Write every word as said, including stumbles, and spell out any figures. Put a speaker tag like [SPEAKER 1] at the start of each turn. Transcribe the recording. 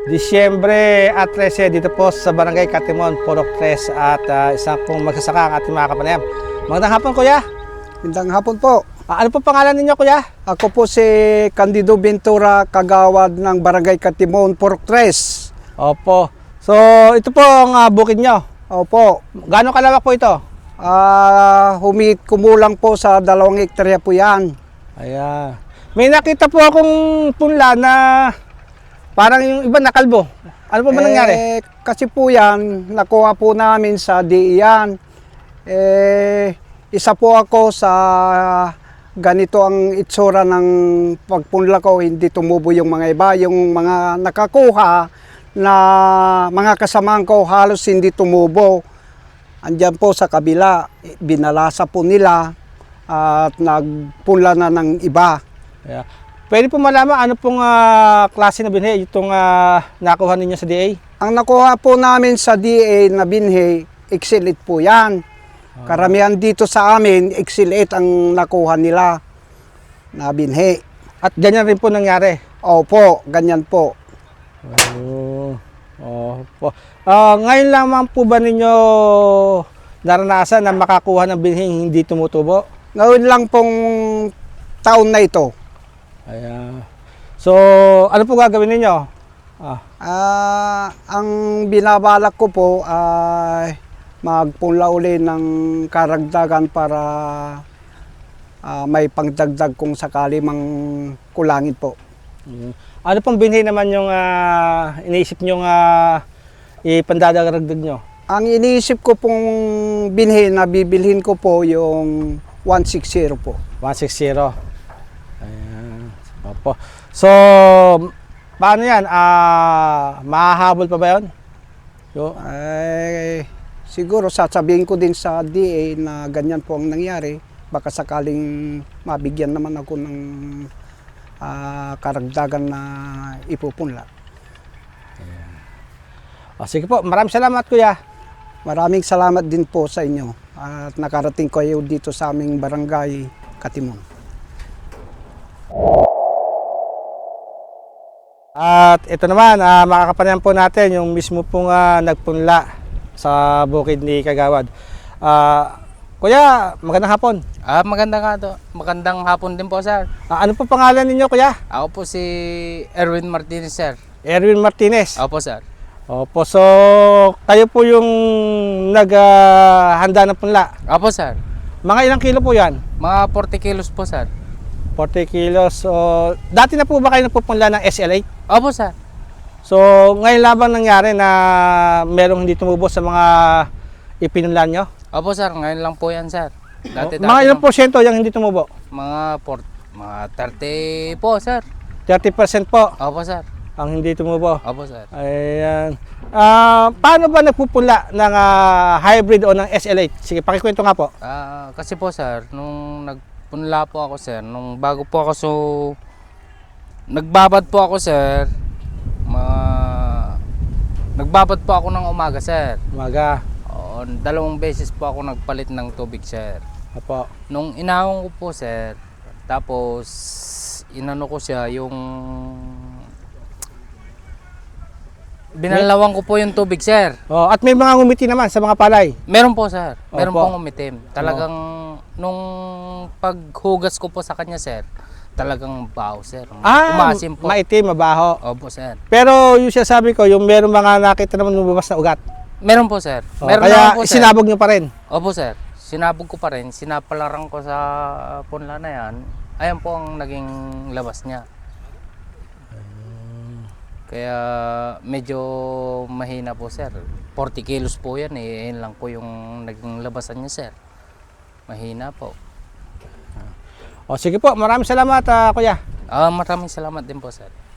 [SPEAKER 1] Disyembre at trese dito po sa Barangay Katimon, Purok tres at uh, isang pong magsasaka ang ating mga kapanayam. Magandang hapon, Kuya.
[SPEAKER 2] Magandang hapon po.
[SPEAKER 1] Ah, ano po pangalan ninyo, Kuya?
[SPEAKER 2] Ako po si Candido Ventura, kagawad ng Barangay Katimon, Purok tres.
[SPEAKER 1] Opo. So, ito po ang uh, bukid nyo.
[SPEAKER 2] Opo.
[SPEAKER 1] Gaano kalawak po ito?
[SPEAKER 2] Ah, humit kumulang po sa dalawang hektarya po yan.
[SPEAKER 1] Ayan. May nakita po akong punla na parang yung iba nakalbo. Ano po ba nangyari?
[SPEAKER 2] Eh, kasi po yan, nakuha po namin sa D I yan. Eh, isa po ako sa ganito ang itsura ng pagpunla ko, hindi tumubo yung mga iba. Yung mga nakakuha na mga kasamahan ko halos hindi tumubo. Andyan po sa kabila, binalasa po nila at nagpunla na ng iba.
[SPEAKER 1] Ayan. Pwede po malaman ano pong uh, klase na binhi itong uh, nakuha ninyo sa D A?
[SPEAKER 2] Ang nakuha po namin sa D A na binhi, Excel eight po yan. Karamihan dito sa amin, Excel eight ang nakuha nila na binhi.
[SPEAKER 1] At ganyan rin po nangyari?
[SPEAKER 2] Opo, ganyan po.
[SPEAKER 1] Oh, oh po. Uh, ngayon lamang po ba ninyo naranasan na makakuha ng binhing hindi tumutubo?
[SPEAKER 2] Ngayon lang pong taon na ito.
[SPEAKER 1] Ayan. So, ano po gagawin ninyo? Ah.
[SPEAKER 2] Ah, ang binabalak ko po ay magpunla uli ng karagdagan para ah, may pangdagdag kung sakali mang kulangin po.
[SPEAKER 1] Mm. Ano pong binhi naman yung uh, iniisip nyo uh, ipandadagdag nyo?
[SPEAKER 2] Ang iniisip ko pong binhi na bibilhin ko po yung one sixty po.
[SPEAKER 1] one sixty. Ayan. Opo. So, paano yan? Uh, mahahabol pa ba yun? Yo.
[SPEAKER 2] Ay, siguro sasabihin ko din sa D A na ganyan po ang nangyari. Baka sakaling mabigyan naman ako ng uh, karagdagan na ipupunla.
[SPEAKER 1] O, sige po, maraming salamat, Kuya.
[SPEAKER 2] Maraming salamat din po sa inyo at nakarating kayo dito sa aming barangay Katimon.
[SPEAKER 1] At ito naman, uh, makakapanayam po natin yung mismo pong uh, nagpunla sa bukid ni Kagawad. Uh, Kuya, magandang hapon.
[SPEAKER 3] Ah, magandang nga to. Magandang hapon din po, sir.
[SPEAKER 1] Uh, ano po pangalan ninyo, Kuya?
[SPEAKER 3] Ako po si Erwin Martinez, sir.
[SPEAKER 1] Erwin Martinez.
[SPEAKER 3] Opo, sir.
[SPEAKER 1] Opo, so kayo po yung naghanda uh, ng punla.
[SPEAKER 3] Opo, sir.
[SPEAKER 1] Mga ilang kilo po yan?
[SPEAKER 3] Mga forty kilos po, sir.
[SPEAKER 1] forty kilos. So, dati na po ba kayo nagpupunla ng S L eight?
[SPEAKER 3] Opo, sir.
[SPEAKER 1] So, ngayon labang nangyari na merong hindi tumubo sa mga ipinunlan nyo?
[SPEAKER 3] Opo, sir. Ngayon lang po yan, sir. Dati,
[SPEAKER 1] O, mga ilang porsyento yung hindi tumubo?
[SPEAKER 3] Mga, port, mga thirty po, sir.
[SPEAKER 1] thirty percent po
[SPEAKER 3] Opo, sir.
[SPEAKER 1] ang hindi tumubo.
[SPEAKER 3] Opo, sir.
[SPEAKER 1] Ayan. Ah, paano ba nagpupunla ng ah, hybrid o ng S L eight? Sige, pakikwento nga po.
[SPEAKER 3] Ah, kasi po, sir, nung nagpunla po ako, sir, nung bago po ako, so, nagbabad po ako, sir, mga, nagbabad po ako ng umaga, sir.
[SPEAKER 1] Umaga.
[SPEAKER 3] Oo, dalawang beses po ako nagpalit ng tubig, sir.
[SPEAKER 1] Apo.
[SPEAKER 3] Nung inahon ko po, sir, tapos inano ko siya yung binalawang ko po yung tubig, sir.
[SPEAKER 1] Oh, at may mga ngumiti naman sa mga palay.
[SPEAKER 3] Meron po, sir. Meron
[SPEAKER 1] Opo.
[SPEAKER 3] pong umitim. Talagang nung paghugas ko po sa kanya, sir, talagang baho, sir.
[SPEAKER 1] Ah,
[SPEAKER 3] Umasim po.
[SPEAKER 1] maitim, mabaho.
[SPEAKER 3] Opo, sir.
[SPEAKER 1] Pero yung sinasabi ko, yung meron mga nakita naman lumabas na ugat.
[SPEAKER 3] Meron po, sir.
[SPEAKER 1] Oh,
[SPEAKER 3] Meron
[SPEAKER 1] kaya
[SPEAKER 3] naman po, sir.
[SPEAKER 1] isinabog nyo pa rin.
[SPEAKER 3] Opo, sir. Sinabog ko pa rin. Sinapalarang ko sa punla na yan. Ayan po ang naging labas niya. Kaya medyo mahina po, sir. forty kilos po yan eh. Yan lang po yung naging labasan niya, sir. Mahina po.
[SPEAKER 1] O sige po, maraming salamat, ah, Kuya.
[SPEAKER 3] Ah, maraming salamat din po, sir.